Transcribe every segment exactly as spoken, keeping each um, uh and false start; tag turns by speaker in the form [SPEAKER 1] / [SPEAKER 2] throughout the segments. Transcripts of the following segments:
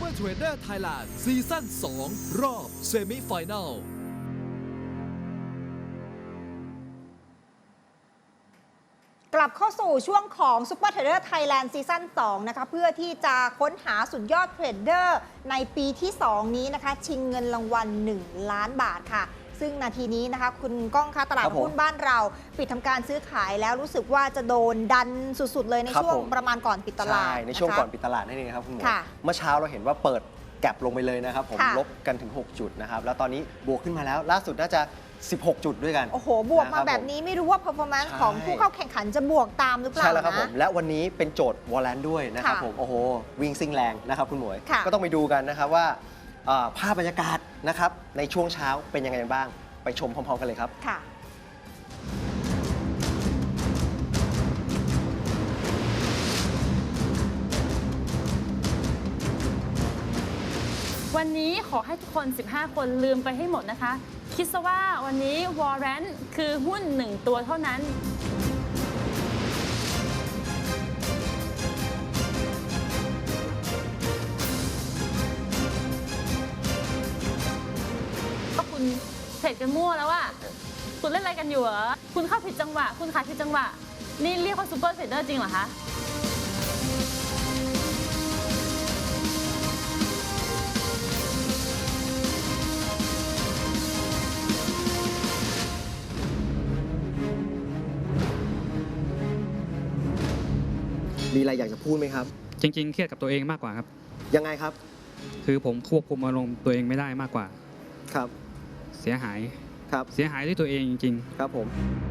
[SPEAKER 1] Super Trader Thailand ซีซั่นสองรอบเซมิไฟแนล
[SPEAKER 2] กลับเข้าสู่ช่วงของ Super Trader Thailand ซีซั่นสองนะคะเพื่อที่จะค้นหาสุดยอดเทรดเดอร์ในปีที่สองนี้นะคะชิงเงินรางวัลหนึ่งล้านบาทค่ะซึ่งนาทีนี้นะคะคุณก้องคะตลาดหุ้นบ้านเราปิดทำการซื้อขายแล้วรู้สึกว่าจะโดนดันสุดๆเลยในช่วงประมาณก่อนปิดตลาด
[SPEAKER 3] ใช่ในช่วงก่อนปิดตลาดนั่นเองครับคุณหมอเมื่อเช้าเราเห็นว่าเปิดแก็บลงไปเลยนะครับผมลบกันถึงหกจุดนะครับแล้วตอนนี้บวกขึ้นมาแล้วล่าสุดน่าจะสิบหกจุดด้วยกัน
[SPEAKER 2] โอ้โหบวกมาแบบนี้ไม่รู้ว่า performance ของผู้เข้าแข่งขันจะบวกตามหรือเปล่า
[SPEAKER 3] ใช่แล้วครับผมและวันนี้เป็นโจทย์วอลเลนด้วยนะครับผมโอ้โหวิ่งซิ่งแรงนะครับคุณหมวยก็ต้องไปดูกันนะครับว่าภาพบรรยากาศนะครับในช่วงเช้าเป็นยังไงบ้างไปชมพร้อมๆกันเลยครับ
[SPEAKER 2] ค่ะ
[SPEAKER 4] วันนี้ขอให้ทุกคนสิบห้าคนลืมไปให้หมดนะคะคิดซะว่าวันนี้วอร์เรนต์คือหุ้นหนึ่งตัวเท่านั้นก็คุณเทรดกันมั่วแล้วอะคุณเล่นอะไรกันอยู่เหรอคุณเข้าผิดจังหวะคุณขายผิดจังหวะนี่เรียกว่าซูเปอร์เทรดเดอร์จริงเหรอคะ
[SPEAKER 3] มีอะไรอยากจะพูดไหมครับ
[SPEAKER 5] จริงๆเครียดกับตัวเองมากกว่าครับ
[SPEAKER 3] ยังไงครับ
[SPEAKER 5] คือผมควบคุมอารมณ์ตัวเองไม่ได้มากกว่า
[SPEAKER 3] ครับ
[SPEAKER 5] เสียหาย
[SPEAKER 3] ครับ
[SPEAKER 5] เสียหายด้วยตัวเองจริง
[SPEAKER 3] ๆครับผม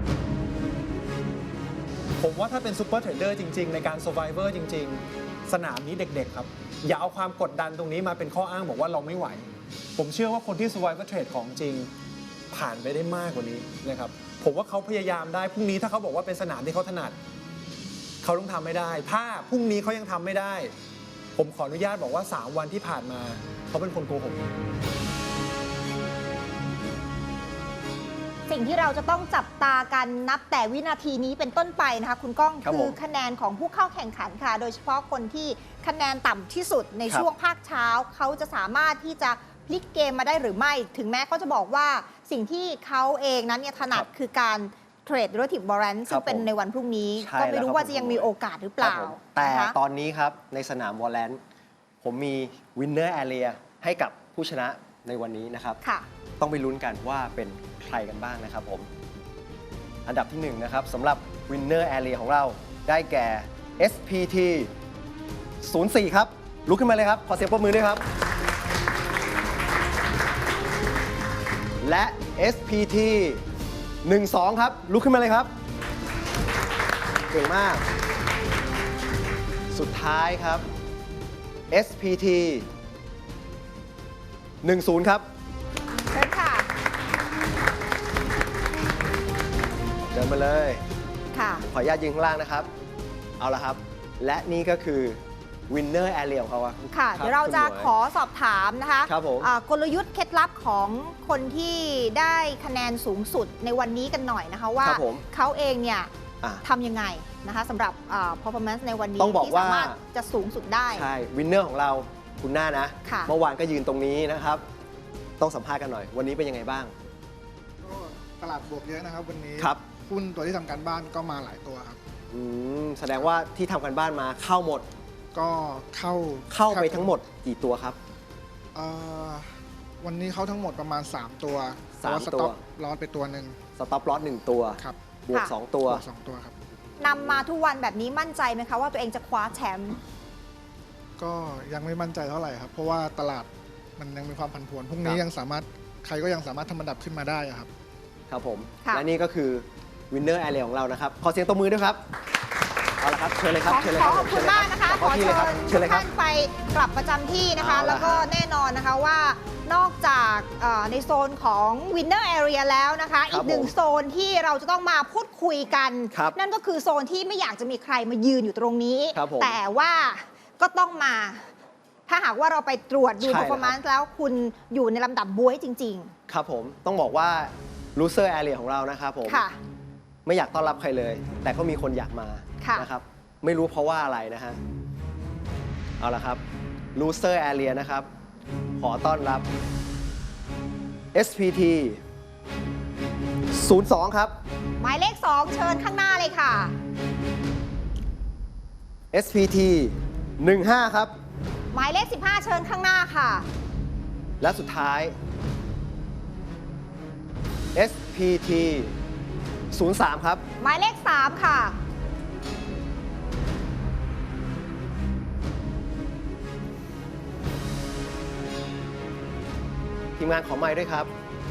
[SPEAKER 6] ผมว่าถ้าเป็นซูเปอร์เทรดเดอร์จริงๆในการ Survivor จริงๆสนามนี้เด็กๆครับอย่าเอาความกดดันตรงนี้มาเป็นข้ออ้างบอกว่าเราไม่ไหวผมเชื่อว่าคนที่ Survivor Trade ของจริงผ่านไปได้มากกว่านี้นะครับผมว่าเขาพยายามได้พรุ่งนี้ถ้าเขาบอกว่าเป็นสนามที่เขาถนัดเขาต้องทำไม่ได้ถ้าพรุ่งนี้เขายังทำไม่ได้ผมขออนุญาตบอกว่าสามวันที่ผ่านมาเขาเป็นคนโกหก
[SPEAKER 2] สิ่งที่เราจะต้องจับตากันนับแต่วินาทีนี้เป็นต้นไปนะคะคุณก้องคือคะแนนของผู้เข้าแข่งขันค่ะโดยเฉพาะคนที่คะแนนต่ำที่สุดในช่วงภาคเช้าเขาจะสามารถที่จะพลิกเกมมาได้หรือไม่ถึงแม้เขาจะบอกว่าสิ่งที่เขาเองนั้นเนี่ยถนัดคือการเทรด relative variance ซึ่งเป็นในวันพรุ่งนี้ก็ไม่รู้ว่าจะยังมีโอกาสหรือเปล่า
[SPEAKER 3] แต่ตอนนี้ครับในสนามวอลเลนผมมี winner area ให้กับผู้ชนะในวันนี้นะครับต้องไปลุ้นกันว่าเป็นใครกันบ้างนะครับผมอันดับที่หนึ่งนะครับสำหรับ winner area ของเราได้แก่ เอส พี ที ศูนย์สี่ ครับลุกขึ้นมาเลยครับขอเสียงปรบมือด้วยครับและ เอส พี ที หนึ่งสอง ครับลุกขึ้นมาเลยครับเก่งมากสุดท้ายครับ เอส พี ที หนึ่งศูนย์ ครับ
[SPEAKER 2] เชิญค่ะ
[SPEAKER 3] เดินมาเลย
[SPEAKER 2] ค่ะ
[SPEAKER 3] ขออนุญาตยืนข้างล่างนะครับเอาละครับและนี่ก็คือ winner area ของเขา
[SPEAKER 2] ค่ะเดี๋ยวเราจะขอสอบถามนะคะ
[SPEAKER 3] ครับผม
[SPEAKER 2] กลยุทธ์เคล็ดลับของคนที่ได้คะแนนสูงสุดในวันนี้กันหน่อยนะคะว่าเขาเองเนี่ยทำยังไงนะคะสำหรับ performance ในวันนี้ที่สามารถจะสูงสุดได้
[SPEAKER 3] ใช่ winner ของเราคุณหน้านะเมื่อวานก็ยืนตรงนี้นะครับต้องสัมภาษณ์กันหน่อยวันนี้เป็นยังไงบ้าง
[SPEAKER 7] ก็ตลาดบวกเยอะนะครับวันนี้
[SPEAKER 3] ครับ
[SPEAKER 7] หุ้นตัวที่ทำการบ้านก็มาหลายตัวครับ
[SPEAKER 3] อืมแสดงว่าที่ทำการบ้านมาเข้าหมด
[SPEAKER 7] ก็เข้า
[SPEAKER 3] เข้าไปทั้งหมดกี่ตัวครับ
[SPEAKER 7] วันนี้เข้าทั้งหมดประมาณสามตัว
[SPEAKER 3] สามตัว
[SPEAKER 7] ลอสไปตัวหนึ่ง
[SPEAKER 3] สต็อปลอสหนึ่งตัว
[SPEAKER 7] ครับ
[SPEAKER 3] บวกสองตัว
[SPEAKER 7] สองตัวครับ
[SPEAKER 2] นำมาทุกวันแบบนี้มั่นใจไหมคะว่าตัวเองจะคว้าแชมป์
[SPEAKER 7] ก็ยังไม่มั่นใจเท่าไหร่ครับเพราะว่าตลาดมันยังมีความผันผวนพรุ่งนี้ยังสามารถใครก็ยังสามารถทำอันดับขึ้นมาได้ครับ
[SPEAKER 3] ครับผมและนี่ก็คือ winner area ของเรานะครับขอเสียงตบมือด้วยครับเอาละครับเชิญเลยครับเชิญเลยครับ
[SPEAKER 2] ขอบคุณมากนะคะขอเชิญท่านไปกลับประจำที่นะคะแล้วก็แน่นอนนะคะว่านอกจากในโซนของ winner area แล้วนะคะอีกหนึ่งโซนที่เราจะต้องมาพูดคุยกันนั่นก็คือโซนที่ไม่อยากจะมีใครมายืนอยู่ตรงนี้แต่ว่าก็ต้องมาถ้าหากว่าเราไปตรวจดู performance แล้วคุณอยู่ในลำดับบ๊วยจริง
[SPEAKER 3] ๆครับผมต้องบอกว่า loser area ของเรานะครับผมไม่อยากต้อนรับใครเลยแต่ก็มีคนอยากมานะครับไม่รู้เพราะว่าอะไรนะฮะเอาละครับ Loser Area นะครับ ขอต้อนรับ เอส พี ที ศูนย์สอง ครับ
[SPEAKER 2] หมายเลข สอง เชิญข้างหน้าเลยค่ะ
[SPEAKER 3] เอส พี ที หนึ่งห้า ครับ
[SPEAKER 2] หมายเลข สิบห้า เชิญข้างหน้าค่ะ
[SPEAKER 3] และสุดท้าย เอส พี ที ศูนย์สาม ครับ
[SPEAKER 2] หมายเลข สาม ค่ะ
[SPEAKER 3] ทีมงานขอไมค์ด้วยครับ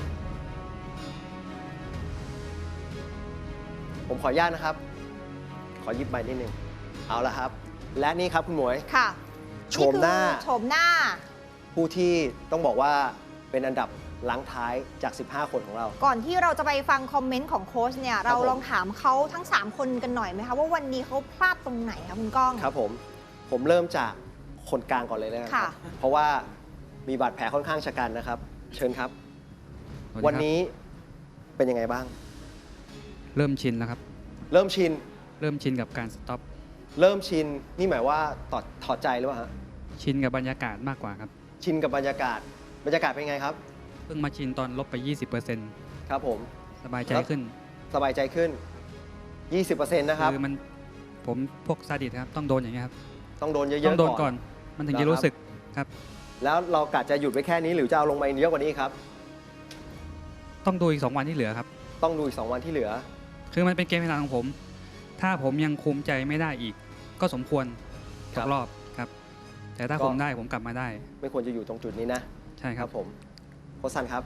[SPEAKER 3] ผมขออนุญาตนะครับ ขอหยิบไมค์นิดนึง เอาละครับ และนี่ครับคุณหมวย
[SPEAKER 2] ค่ะ
[SPEAKER 3] โฉมหน้า
[SPEAKER 2] นี่คือโฉมหน้า
[SPEAKER 3] ผู้ที่ต้องบอกว่าเป็นอันดับหลังท้ายจาก สิบห้า คนของเรา
[SPEAKER 2] ก่อนที่เราจะไปฟังคอมเมนต์ของโค้ชเนี่ย เรา
[SPEAKER 3] ผม
[SPEAKER 2] ลองถามเขาทั้ง สาม คนกันหน่อยไหมคะ ว่าวันนี้เขาพลาดตรงไหนคะคุณก้อง
[SPEAKER 3] ครับผม ผมเริ่มจากคนกลางก่อนเลยนะครั
[SPEAKER 2] ค่ะ
[SPEAKER 3] เพราะว่ามีบาดแผลค่อนข้างชะกันนะครับ เชิญครับ
[SPEAKER 5] สวัสดีครับ
[SPEAKER 3] วันนี้เป็นยังไงบ้าง
[SPEAKER 5] เริ่มชินแล้วครับ
[SPEAKER 3] เริ่มชิน
[SPEAKER 5] เริ่มชินกับการสต็อป
[SPEAKER 3] เริ่มชิน นี่หมายว่าถอดถอดใจหรือเปล่าฮะ
[SPEAKER 5] ชินกับบรรยากาศมากกว่าครับ
[SPEAKER 3] ชินกับบรรยากาศ บรรยากาศเป็นไงครับ
[SPEAKER 5] เพิ่งมาชินตอนลบไป ยี่สิบเปอร์เซ็นต์
[SPEAKER 3] ครับผม
[SPEAKER 5] สบายใจขึ้น
[SPEAKER 3] สบายใจขึ้น ยี่สิบเปอร์เซ็นต์ นะครับ
[SPEAKER 5] คือมันผมพวกซาดิสครับ ต้องโดนอย่างเงี้ยครับ
[SPEAKER 3] ต้องโดนเย
[SPEAKER 5] ต้อ
[SPEAKER 3] อะ
[SPEAKER 5] งโดน
[SPEAKER 3] ๆ
[SPEAKER 5] ก่
[SPEAKER 3] ก่
[SPEAKER 5] อ
[SPEAKER 3] อน
[SPEAKER 5] น มันถึง
[SPEAKER 3] เหรอ
[SPEAKER 5] จะ
[SPEAKER 3] ครับ
[SPEAKER 5] รู้สึกครับ
[SPEAKER 3] แล้วเรากะจะหยุดไว้แค่นี้หรือจะเอาลงมาเยอะกว่านี้ครับ
[SPEAKER 5] ต้องดูอีกสองวันที่เหลือครับ
[SPEAKER 3] ต้องดูอีกสองวันที่เหลือ
[SPEAKER 5] คือมันเป็นเกมเวลาของผม ถ้าผมยังคุมใจไม่ได้อีก ก็สมควร
[SPEAKER 3] ค
[SPEAKER 5] ต
[SPEAKER 3] รับ
[SPEAKER 5] กรอบครับ แต่ถ้า
[SPEAKER 3] ก็
[SPEAKER 5] คุมได้ผมกลับมาได้
[SPEAKER 3] ไม่ควรจะอยู่ตรงจุดนี้นะ
[SPEAKER 5] ใช่ครับ
[SPEAKER 3] ผมโค้ชซันครับ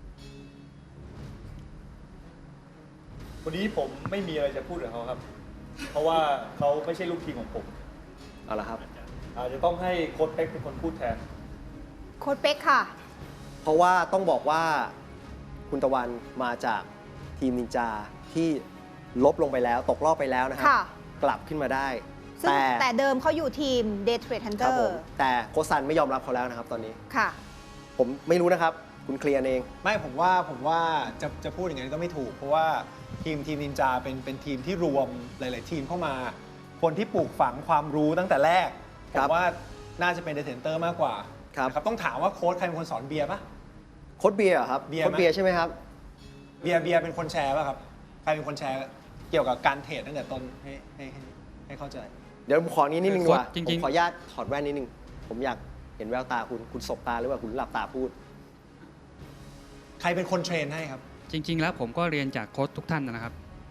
[SPEAKER 8] วันนี้ผมไม่มีอะไรจะพูดกับเขาครับ เพราะว่าเขาไม่ใช่ลูกทีมของผม
[SPEAKER 3] เอาละครับ
[SPEAKER 8] อาจจะต้องให้โค้ชเป๊กเป็นคนพูดแทน
[SPEAKER 2] โค้ชเป๊กค่ะ
[SPEAKER 3] เพราะว่าต้องบอกว่าคุณตะวันมาจากทีมนินจาที่ลบลงไปแล้วตกรอบไปแล้วนะครั
[SPEAKER 2] ค่ะ
[SPEAKER 3] กลับขึ้นมาได้
[SPEAKER 2] ซึ่ง
[SPEAKER 3] แต่
[SPEAKER 2] แต่เดิมเขาอยู่ทีม Day Trade
[SPEAKER 3] ครับ
[SPEAKER 2] Hunter
[SPEAKER 3] ผมแต่โค้ชซันไม่ยอมรับเขาแล้วนะครับตอนนี้
[SPEAKER 2] ค่ะ
[SPEAKER 3] ผมไม่รู้นะครับ คุณเคลียร์เอง
[SPEAKER 6] ไม่ผมว่าผมว่าจะจะพูดอย่างนั้นก็ไม่ถูก เพราะว่าทีมทีมนินจาเป็นเป็นทีมที่รวมหลาย ๆ ทีมเข้ามา คนที่ปลูกฝังความรู้ตั้งแต่แรกผ
[SPEAKER 3] ครั
[SPEAKER 6] ม
[SPEAKER 3] บ
[SPEAKER 6] ว่าน่าจะเป็นเดเทนเตอร์มากกว่า
[SPEAKER 3] ครับ
[SPEAKER 6] นะครับต้องถามว่าโค้ชใครเป็นคนสอนเบียร์ปะ
[SPEAKER 3] โค้ชเบียร์เหรอครับ
[SPEAKER 6] เบียร์
[SPEAKER 3] โค้ช
[SPEAKER 6] ไหม
[SPEAKER 3] เบียร์ใช่ไหมครับ
[SPEAKER 6] เบียร์เบียร์เป็นคนแชร์ป่ะครับใครเป็นคนแชร์เกี่ยวกับการเทรดตั้งแต่ต้นให้ให้ให้ให้เข้าใจ
[SPEAKER 3] เดี๋ยวผมขอนี้นิดนึงดีกว่า
[SPEAKER 5] โค้ชจริงๆ
[SPEAKER 3] ผมขออนุญาตถอดแว่นนิดนึง ผมอยากเห็นแววตาคุณ คุณสบตาหรือว่าคุณหลับตาพูด
[SPEAKER 6] ใครเป็นคนเทรนให้ครับ
[SPEAKER 5] จริง ๆ แล้วผมก็เรียนจากโค้ชทุกท่านนะครับ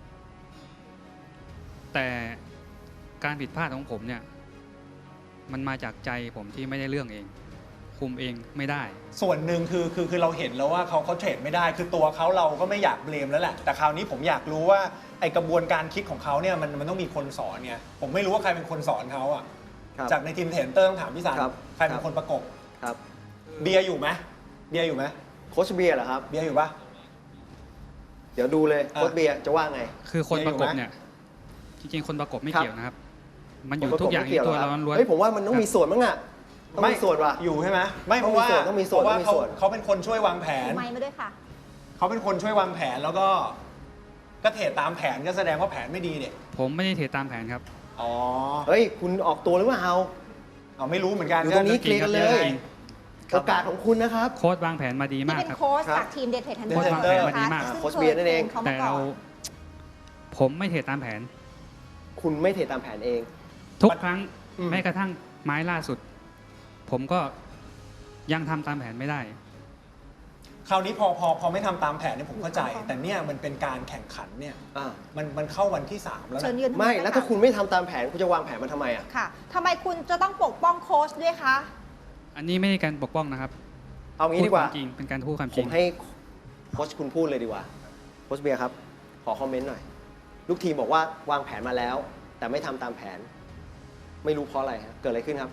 [SPEAKER 5] แต่การผิดพลาดของผมเนี่ย มันมาจากใจผมที่ไม่ได้เรื่องเอง คุมเองไม่ได้
[SPEAKER 6] ส่วนหนึ่งคือคือคือเราเห็นแล้วว่าเขาเขาเทรดไม่ได้ คือตัวเขาเราก็ไม่อยากเบลมแล้วแหละ แต่คราวนี้ผมอยากรู้ว่าไอกระบวนการคิดของเขาเนี่ยมันมันต้องมีคนสอนเนี่ยผมไม่รู้ว่าใครเป็นคนสอนเขาอ่ะ
[SPEAKER 3] ครับ
[SPEAKER 6] จากในทีมเทรนเตอร์ต้องถามพี่สาร
[SPEAKER 3] ครับ
[SPEAKER 6] ใครเป็
[SPEAKER 3] ครั
[SPEAKER 6] น
[SPEAKER 3] บ
[SPEAKER 6] คนประกบ
[SPEAKER 3] ครับ
[SPEAKER 6] เบียร์อยู่ไหมเบียร์อยู่ไหม
[SPEAKER 3] โค้ชเบียร์เหรอครับ
[SPEAKER 6] เบียร์อยู่ปะ
[SPEAKER 3] เดี๋ยวดูเลย
[SPEAKER 6] อ่ะ
[SPEAKER 3] โค้ชเบียร์จะว่าไง
[SPEAKER 5] คือคนประกบ
[SPEAKER 6] เรียนอยู่ไหม
[SPEAKER 5] เนี่ย จริง ๆ คนประกบไม่
[SPEAKER 3] ครับ
[SPEAKER 5] เกี่ยวนะครับ มันอยู่
[SPEAKER 3] ผม
[SPEAKER 5] ทุกอย่าง
[SPEAKER 3] ไม่
[SPEAKER 5] ที่
[SPEAKER 3] เกี่ยว
[SPEAKER 5] ตัว
[SPEAKER 3] หร
[SPEAKER 5] เรา
[SPEAKER 3] อครับ
[SPEAKER 5] ล้วนๆ
[SPEAKER 3] เฮ้ยผมว่ามันต้องมีส่วนมั้งอะต้องมีส่วนว่ะ
[SPEAKER 6] อยู่ใช่ไหมไม่
[SPEAKER 3] ต้
[SPEAKER 6] เพ
[SPEAKER 3] องมี
[SPEAKER 6] ราะว่า
[SPEAKER 3] ส่วนต้องมีส่วน
[SPEAKER 6] เพราะว่า
[SPEAKER 3] ต้องมี
[SPEAKER 6] เขา
[SPEAKER 3] ส่วน
[SPEAKER 6] เขาเป็นคนช่วยวางแผน
[SPEAKER 2] ไมค์มาด้วยค่ะ
[SPEAKER 6] เขาเป็นคนช่วยวางแผนแล้วก็ก็เทรดตามแผนก็แสดงว่าแผนไม่ดีเนี่ย
[SPEAKER 5] ผมไม่ได้เทตามแผนครับ
[SPEAKER 6] อ๋อ
[SPEAKER 3] เฮ้ย คุณออกตัวหรือเปล่า
[SPEAKER 6] เอาไม่รู้เหมือนกัน
[SPEAKER 3] อยู่ตรงนี้ เคลียร์กันเลย
[SPEAKER 5] จริง
[SPEAKER 3] โอกาสของคุณนะครับ
[SPEAKER 5] โค้ดวางแผนมาดี
[SPEAKER 2] ที่
[SPEAKER 5] มาก
[SPEAKER 2] เป็น
[SPEAKER 5] ครับ
[SPEAKER 2] โค้ช
[SPEAKER 3] ครับ
[SPEAKER 2] จากทีม Day Trade
[SPEAKER 5] โค้ช
[SPEAKER 2] Hunter
[SPEAKER 5] วางแผนมาดีมาก
[SPEAKER 2] นะคะซึ่ง
[SPEAKER 3] โค้ชเบียร์นั่นเอง
[SPEAKER 2] คย
[SPEAKER 5] แต่
[SPEAKER 2] ทรนเขามาก่
[SPEAKER 5] เรา
[SPEAKER 2] อน
[SPEAKER 5] ผมไม่เทตามแผน
[SPEAKER 3] คุณไม่เทตามแผนเอง
[SPEAKER 5] ทุกครั้ง
[SPEAKER 6] อืม
[SPEAKER 5] แม้กระทั่งไม้ล่าสุด ผมก็ยังทำตามแผนไม่ได้
[SPEAKER 6] คราวนี้พอพอพอไม่ทำตามแผนเนี่ยผมเข้าใจ แต่เนี่ยมันเป็นการแข่งขันเนี่ย
[SPEAKER 3] อ่า
[SPEAKER 6] มันมันเข้าวันที่สามแล้ว
[SPEAKER 2] เชิญ
[SPEAKER 6] นะ
[SPEAKER 2] ยืนข้ง
[SPEAKER 3] ไม่
[SPEAKER 2] บน
[SPEAKER 3] แล้ว
[SPEAKER 2] ค่ะ
[SPEAKER 3] ถ้าคุณไม่ทำตามแผน คุณจะวางแผนมันทำไมอ่ะ
[SPEAKER 2] ค่ะทำไมคุณจะต้องปกป้องโค้ชด้วยคะ
[SPEAKER 5] อันนี้ไม่ใช่การปกป้องนะครับ
[SPEAKER 3] เอางี้ดีกว่า
[SPEAKER 5] พูควมจริงเป็นการพูดความ
[SPEAKER 3] ผ
[SPEAKER 5] จริ
[SPEAKER 3] ม
[SPEAKER 5] ง
[SPEAKER 3] ให้โค้ชคุณพูดเลยดีกว่า โค้ชเบียร์ครับ ขอคอมเมนต์หน่อย ลูกทีมบอกว่าวางแผนมาแล้ว แต่ไม่ทำตามแผน ไม่รู้เพราะอะไรครับเกิดอะไรขึ้นครับ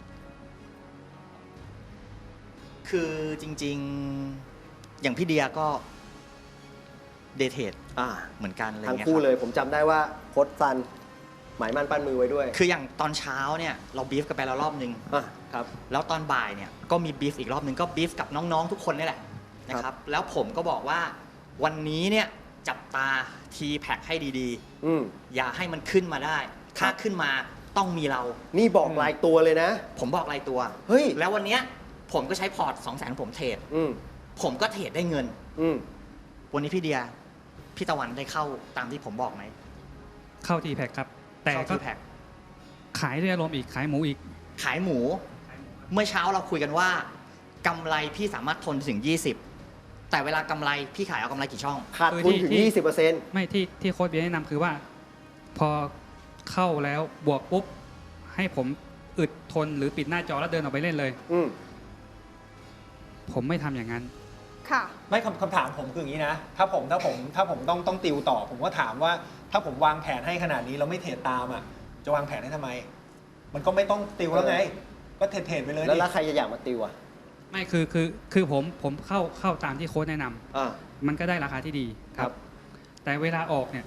[SPEAKER 9] คือจริงๆ อย่างพี่เดียก็เดทเทด
[SPEAKER 3] อ่า
[SPEAKER 9] เหมือนกันอะไร
[SPEAKER 3] ทั้ง
[SPEAKER 9] เงี้ย
[SPEAKER 3] คู่
[SPEAKER 9] ครับ
[SPEAKER 3] เลย ผมจำได้ว่าโค้ชซันหมายมั่นปั้นมือไว้ด้วย
[SPEAKER 9] คืออย่างตอนเช้าเนี่ยเราบีฟกันไปแล้วรอบนึง
[SPEAKER 3] อ่ะครับ
[SPEAKER 9] แล้วตอนบ่ายเนี่ยก็มีบีฟอีกรอบนึงก็บีฟกับน้องๆทุกคนนี่แหละนะค
[SPEAKER 3] ครั
[SPEAKER 9] รับ
[SPEAKER 3] บ
[SPEAKER 9] แล้วผมก็บอกว่าวันนี้เนี่ยจับตาทีแพ็กให้ดี
[SPEAKER 3] อืม
[SPEAKER 9] ๆ อย่าให้มันขึ้นมาได้ ถ้าขึ้นมาต้องมีเรา
[SPEAKER 3] นี่บอกรายตัวเลยนะ
[SPEAKER 9] ผมบอกรายตัว
[SPEAKER 3] เฮ้ย
[SPEAKER 9] แล้ววันเนี้ยผมก็ใช้พอร์ตสองแสนผมเทรด
[SPEAKER 3] อืม
[SPEAKER 9] ผมก็เทรดได้เงิน
[SPEAKER 3] อืม
[SPEAKER 9] วันนี้พี่เดียพี่ตะวันได้เข้าตามที่ผมบอกไหม
[SPEAKER 5] เข้าทีแพ็กครับ แต่
[SPEAKER 9] เข้า
[SPEAKER 5] ก็
[SPEAKER 9] ที่แพ็ค
[SPEAKER 5] ขายด้วยอารมณ์อีกขายหมูอีก
[SPEAKER 9] ขายหมู เมื่อเช้าเราคุยกันว่ากำไรพี่สามารถทนถึง ยี่สิบ แต่เวลากำไรพี่ขายเอากำไรกี่ช่อง
[SPEAKER 3] ขาดทุนถึง
[SPEAKER 5] ที่
[SPEAKER 3] ยี่สิบเปอร์เซ็นต์
[SPEAKER 5] ไม่ที่ที่โค้ชเบียร์แนะนำคือว่า พอเข้าแล้วบวกปุ๊บ ให้ผมอึดทนหรือปิดหน้าจอแล้วเดินออกไปเล่นเลย
[SPEAKER 3] อืม
[SPEAKER 5] ผมไม่ทำอย่างนั้น
[SPEAKER 2] ค่ะ
[SPEAKER 6] ไม่คำคำถามผมคืออย่างนี้นะ ถ้าผมถ้าผมถ้าผมต้องต้องติวต่อ ผมก็ถามว่าถ้าผมวางแผนให้ขนาดนี้แล้วไม่เทรดตามอ่ะจะวางแผนให้ทำไม มันก็ไม่ต้องติวแล้วไง ก็เทรดเทรดไปเลย
[SPEAKER 3] แล้ว
[SPEAKER 6] ดิ
[SPEAKER 3] แล้วใครจะอยากมาติวอ่ะ
[SPEAKER 5] ไม่คือคือคือผมผมเข้าเข้าตามที่โค้ชแนะนำ
[SPEAKER 3] อ่า
[SPEAKER 5] มันก็ได้ราคาที่ดีครับ แต่เวลาออกเนี่ย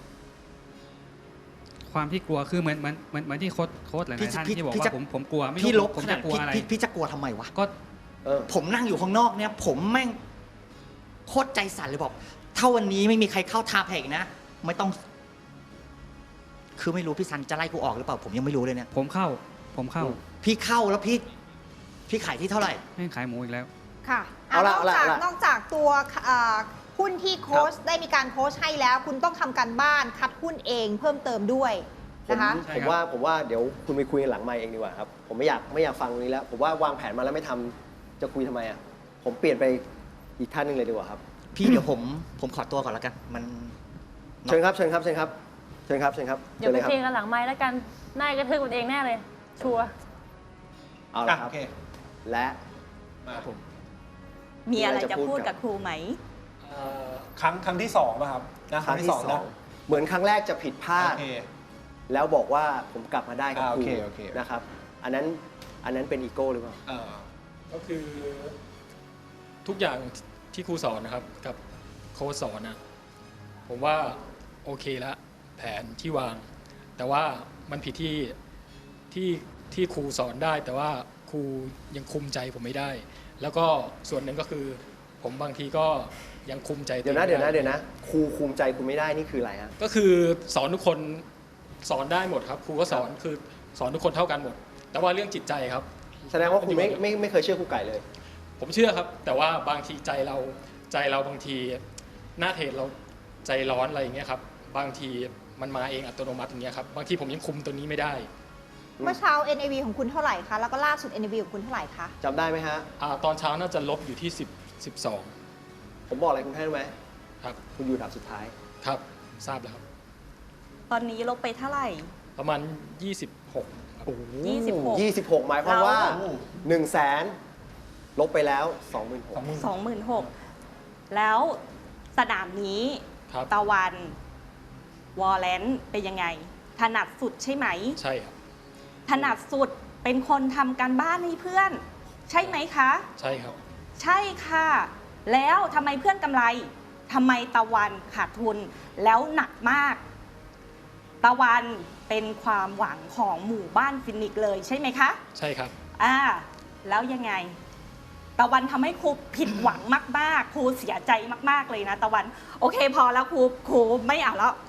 [SPEAKER 5] ความที่กลัวคือเหมือนเหมือนเหมือนเหมือนที่โค้ชโค้ชหลาย
[SPEAKER 9] พี่
[SPEAKER 5] ๆท่าน
[SPEAKER 9] พี่
[SPEAKER 5] ที่บอก
[SPEAKER 9] พี่
[SPEAKER 5] ว่า
[SPEAKER 9] จะ
[SPEAKER 5] ผมผมกลัวไม่
[SPEAKER 9] พี่ล
[SPEAKER 5] รู้
[SPEAKER 9] บ
[SPEAKER 5] ผม
[SPEAKER 9] ขนา
[SPEAKER 5] จะ
[SPEAKER 9] ด
[SPEAKER 5] กลัว
[SPEAKER 9] พี่
[SPEAKER 5] อะไร
[SPEAKER 9] พี่พี่จะกลัวทำไมวะ
[SPEAKER 5] ก็
[SPEAKER 3] เออ
[SPEAKER 9] ผมนั่งอยู่ข้างนอกเนี่ย ผมแม่งโคตรใจสั่นเลยบอก ถ้าวันนี้ไม่มีใครเข้าทาแพกนะ ไม่ต้อง คือไม่รู้พี่ซันจะไล่กูออกหรือเปล่า ผมยังไม่รู้เลยเนี่ย
[SPEAKER 5] ผมเข้า ผมเข้า
[SPEAKER 9] พี่เข้าแล้วพี่ พี่ขายที่เท่าไหร่
[SPEAKER 5] ไม่ขายหมูอีกแล้ว
[SPEAKER 2] ค่ะ
[SPEAKER 3] เอาละ
[SPEAKER 2] นอกจาก
[SPEAKER 3] เอาละ
[SPEAKER 2] นอกจากตัวเอ่อหุ้นที่โค้ชได้มีการโค้ชให้แล้ว คุณต้องทำการบ้านคัดหุ้นเองเพิ่มเติมด้วย
[SPEAKER 3] ผม
[SPEAKER 2] นะคะ
[SPEAKER 5] ใช่
[SPEAKER 3] ผม
[SPEAKER 5] ครับ
[SPEAKER 3] ว่าผมว่าเดี๋ยวคุณไปคุยกันหลังไมค์เองดีกว่าครับ ผมไม่อยากไม่อยากฟังตรงนี้แล้ว ผมว่าวางแผนมาแล้วไม่ทำจะคุยทำไมอ่ะ ผมเปลี่ยนไปอีกท่านหนึ่งเลยดีกว่าครับ
[SPEAKER 9] พี่เดี๋ยวผมผมขอตัวก่อนแล้วกัน มัน
[SPEAKER 3] เชิญครับ เชิญครับ เชิญครับ เชิญครับ เชิญครับ
[SPEAKER 4] เดี๋ยว
[SPEAKER 3] เชิญ
[SPEAKER 4] ไป
[SPEAKER 3] เลยครับ
[SPEAKER 4] เคลียร์กันหลังไม้แล้วกันนายกระทืบมันเองแน่เลย ชัวร์
[SPEAKER 3] เอา
[SPEAKER 6] อ่ะ
[SPEAKER 3] ละครับ
[SPEAKER 6] โอเค
[SPEAKER 3] และ
[SPEAKER 6] มาผม
[SPEAKER 10] มีอะไร
[SPEAKER 3] มีอะไรจะ
[SPEAKER 10] จะ
[SPEAKER 3] พู
[SPEAKER 10] พู
[SPEAKER 3] ด
[SPEAKER 10] ด
[SPEAKER 3] กั
[SPEAKER 10] กับ บครูไหม
[SPEAKER 6] ครั้งครั้งที่สองป่ะครับนะ
[SPEAKER 3] ครั้งที่สอง
[SPEAKER 6] นะ
[SPEAKER 3] เหมือนครั้งแรกจะผิดพลาด
[SPEAKER 6] โอเค
[SPEAKER 3] แล้วบอกว่าผมกลับมาได้กับ
[SPEAKER 6] อ่า
[SPEAKER 3] ครู
[SPEAKER 6] โอเคโอเค
[SPEAKER 3] นะครับ อันนั้นอันนั้นเป็นอีโก้หรือเปล่า
[SPEAKER 6] เออ
[SPEAKER 11] ก็คือทุกอย่างที่ครูสอนนะครับ กับโค้ชสอนนะผมว่าโอเคละแผนที่วาง แต่ว่ามันผิดที่ที่ที่ครูสอนได้ แต่ว่าครูยังคุมใจผมไม่ได้ แล้วก็ส่วนหนึ่งก็คือ ผมบางทีก็ยังคุมใจ
[SPEAKER 3] เดี๋ยวนะ
[SPEAKER 11] ตั
[SPEAKER 3] เดี๋ยว
[SPEAKER 11] อง
[SPEAKER 3] นะ
[SPEAKER 11] ไม่ไ
[SPEAKER 3] เดี๋ยวนะ ครูคุมใจคุณไม่ได้นี่คืออะไรฮะ
[SPEAKER 11] ก็คือสอนทุกคนสอนได้หมดครับครูก็สอนคือสอนทุกคนเท่ากันหมด แต่ว่าเรื่องจิตใจครับ
[SPEAKER 3] แสดงว่าคุณไม่ไม่ไม่เคยเชื่อครูไก่เลย
[SPEAKER 11] ผมเชื่อครับ แต่ว่าบางทีใจเราใจเราบางทีหน้าเทรดเราใจร้อนอะไรอย่างเงี้ยครับบางทีมันมาเองอัตโนมัติอย่างเงี้ยครับบางทีผมยังคุมตัวนี้ไม่ได้
[SPEAKER 2] เมื่อเช้า เอ็น เอ วี ของคุณเท่าไหร่คะ แล้วก็ล่าสุด เอ็น เอ วี ของคุณเท่าไหร่คะ
[SPEAKER 3] จำได้ไหมฮะ
[SPEAKER 11] อาตอนเช้าน่าจะลบอยู่ที่สิบ สิบสอง
[SPEAKER 3] ผมบอกอะไรคุณให้รู้ไหม
[SPEAKER 11] ครับ
[SPEAKER 3] คุณอยู่ดับสุดท้าย
[SPEAKER 11] ครับทราบแล้วครับ
[SPEAKER 10] ตอนนี้ลบไปเท่าไหร่
[SPEAKER 11] ประมาณยี่สิบหกครับ
[SPEAKER 10] ยี่สิบหก
[SPEAKER 3] ยี่สิบหก หมายความว่า
[SPEAKER 10] เรา
[SPEAKER 3] หนึ่งแสนลบไปแล้วสองหมื่นหก
[SPEAKER 10] สองหมื่นหกแล้วสนามนี้
[SPEAKER 11] ครับ
[SPEAKER 10] ตะวันวอลเลนเป็นยังไง ถนัดสุดใช่ไหม
[SPEAKER 11] ใช่ครับ
[SPEAKER 10] ถนัดสุดเป็นคนทำการบ้านให้เพื่อน ใช่ไหมคะ
[SPEAKER 11] ใช่ครับ
[SPEAKER 10] ใช่ค่ะ แล้วทำไมเพื่อนกำไรทำไมตะวันขาดทุนแล้วหนักมาก ตะวันเป็นความหวังของหมู่บ้านฟินิกส์เลยใช่ไหมคะ
[SPEAKER 11] ใช่ครับ
[SPEAKER 10] อ่าแล้วยังไง ตะวันทำให้ครูผิดหวังมากๆครูเสียใจมากๆเลยนะตะวัน โอเคพอแล้วครูครูไม่เอาแล้ว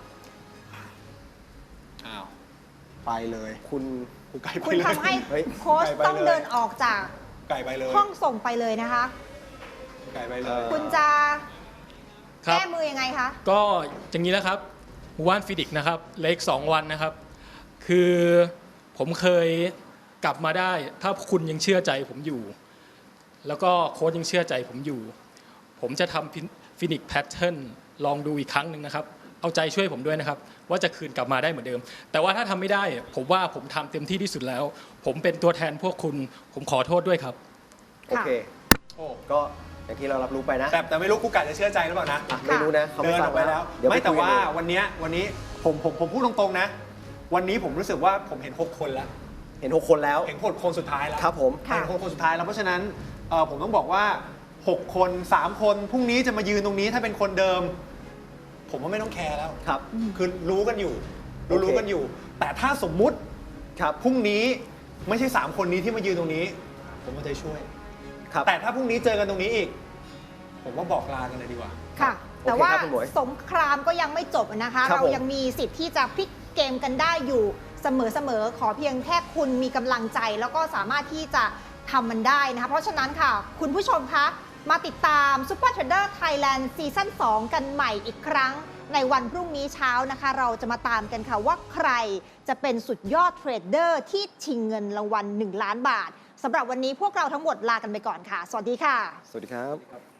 [SPEAKER 6] อ้าว ไปเลย
[SPEAKER 3] คุณ
[SPEAKER 6] ครูไก่ไป
[SPEAKER 2] คุณ
[SPEAKER 6] เลย
[SPEAKER 2] ทำให้
[SPEAKER 3] เฮ้ย
[SPEAKER 2] โค้ช
[SPEAKER 6] ไก่ไป
[SPEAKER 2] ต้อง
[SPEAKER 6] เลย
[SPEAKER 2] เดินออกจาก
[SPEAKER 6] ไก่ไปเลย
[SPEAKER 2] ห้องส่งไปเลยนะคะ
[SPEAKER 6] ครูไก่ไปเลย
[SPEAKER 2] คุณจะ
[SPEAKER 11] ครับ
[SPEAKER 2] แก้มือยังไงคะ
[SPEAKER 11] ก็อย่างนี้นะครับหมู่บ้านฟินิกส์นะครับเหลขสองวันนะครับ คือผมเคยกลับมาได้ ถ้าคุณยังเชื่อใจผมอยู่ แล้วก็โค้ชยังเชื่อใจผมอยู่ ผมจะทำฟินิกส์แพทเทิร์นลองดูอีกครั้งหนึ่งนะครับ เอาใจช่วยผมด้วยนะครับ ว่าจะคืนกลับมาได้เหมือนเดิม แต่ว่าถ้าทำไม่ได้ ผมว่าผมทำเต็มที่ที่สุดแล้ว ผมเป็นตัวแทนพวกคุณ ผมขอโทษด้วยครับ
[SPEAKER 3] โอเค
[SPEAKER 6] โอ้
[SPEAKER 3] ก็อย่างที่เรารับรู้ไปนะ
[SPEAKER 6] แต่แต่ไม่รู้ครูไก่จะเชื่อใจหรือเปล่านะ
[SPEAKER 3] อ่ะไม่รู้นะเขา
[SPEAKER 6] เดิ
[SPEAKER 3] ไม่
[SPEAKER 6] น
[SPEAKER 3] ฟั
[SPEAKER 6] อง อกไปแล้ว
[SPEAKER 3] เดี๋ยว
[SPEAKER 6] ไม่
[SPEAKER 3] ป
[SPEAKER 6] แต่
[SPEAKER 3] คุยกัน
[SPEAKER 6] ว่า
[SPEAKER 3] เอง
[SPEAKER 6] วันเนี้ยวันนี้ผมผมผมพูดตรงๆนะ วันนี้ผมรู้สึกว่าผมเห็นหกคนแล้ว
[SPEAKER 3] เห็นหกคนแล้ว
[SPEAKER 6] เห็นหกคนสุดท้ายแล้ว
[SPEAKER 3] ครับผม
[SPEAKER 2] ค่ะ
[SPEAKER 6] เห็นหกคนสุดท้ายแล้วเพราะฉะนั้นเอ่อผมต้องบอกว่าหกคนสามคนพรุ่งนี้จะมายืนตรงนี้ถ้าเป็นคนเดิม ผมว่าไม่ต้องแคร์แล้ว
[SPEAKER 3] ครับ
[SPEAKER 6] คือรู้กันอยู่ รู้
[SPEAKER 3] โอเค
[SPEAKER 6] รู้กันอยู่ แต่ถ้าสมมุติ
[SPEAKER 3] ครับ
[SPEAKER 6] พรุ่งนี้ไม่ใช่สามคนนี้ที่มายืนตรงนี้ ผมก็จะช่วย
[SPEAKER 3] ครับ
[SPEAKER 6] แต่ถ้าพรุ่งนี้เจอกันตรงนี้อีก ผมว่าบอกลากันเลยดีกว่า
[SPEAKER 2] ค่ะ
[SPEAKER 3] โอเค
[SPEAKER 2] แต่ว่า
[SPEAKER 3] ครับคุณหมวย
[SPEAKER 2] สงครามก็ยังไม่จบนะคะ
[SPEAKER 3] ครับ
[SPEAKER 2] เรา
[SPEAKER 3] ผม
[SPEAKER 2] ยังมีสิทธิ์ที่จะพลิกเกมกันได้อยู่เสมอๆขอเพียงแค่คุณมีกำลังใจแล้วก็สามารถที่จะทำมันได้นะคะเพราะฉะนั้นค่ะคุณผู้ชมคะมาติดตาม Super Trader Thailand ซีซั่นสองกันใหม่อีกครั้งในวันพรุ่งนี้เช้านะคะเราจะมาตามกันค่ะว่าใครจะเป็นสุดยอดเทรดเดอร์ที่ชิงเงินรางวัลหนึ่งล้านบาทสำหรับวันนี้พวกเราทั้งหมดลากันไปก่อนค่ะสวัสดีค่ะ
[SPEAKER 3] สวัสดีครับ